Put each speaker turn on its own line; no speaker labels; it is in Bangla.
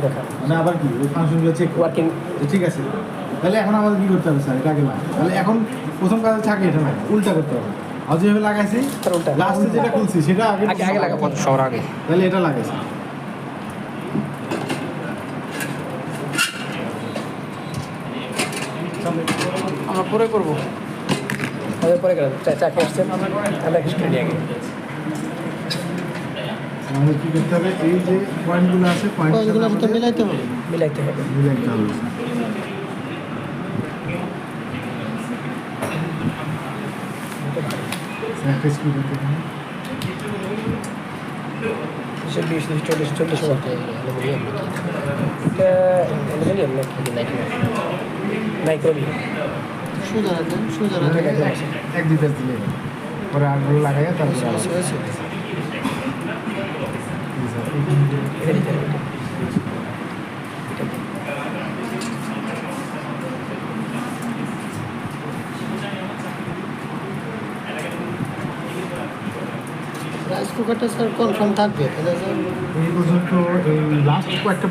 দেখা
মানে আবার কি ওই ফাংশনগুলো চেক
ওয়ার্কিং
ঠিক আছে। তাহলে এখন আমাদের কি করতে হবে স্যার, এটা আগে না, তাহলে এখন প্রথম কাজ থাকে এটা না, উল্টা করতে হবে। আর যেভাবে লাগাইছি
তার উল্টা
লাস্টে যেটা খুলছি সেটা আগে
আগে আগে লাগাবো
সবার আগে
তাহলে এটা লাগাইছি।
আমরা পরে করবো।
আমাদের পরে গেলাম চা খেয়ে আসছেন আমরা কিছু নিয়ে আগে
আমাদের কি করতে হবে, এই যে পয়েন্টগুলো আছে
পয়েন্টগুলো
পয়েন্টগুলো
মিলাইতে হবে।
মিলাইতে হবে।
মিলাইতে হবে। একটা স্পিড হতে হবে।
20-40 ওয়াট অ্যালুমিনিয়াম এটা অ্যালুমিনিয়াম নাকি নাইক্রোমি
সোজা রাখবেন, সোজা রাখবেন।
এক দুই পেজ দিলে পরে আরগুলো লাগাইয়া তারপরে
হয়েছে, হয়েছে।
এটা দিতে হবে
রাইস কুকারটা স্যার কনফার্ম থাকবে, তাহলে স্যার
এই পর্যন্ত এই লাস্ট কয়েকটা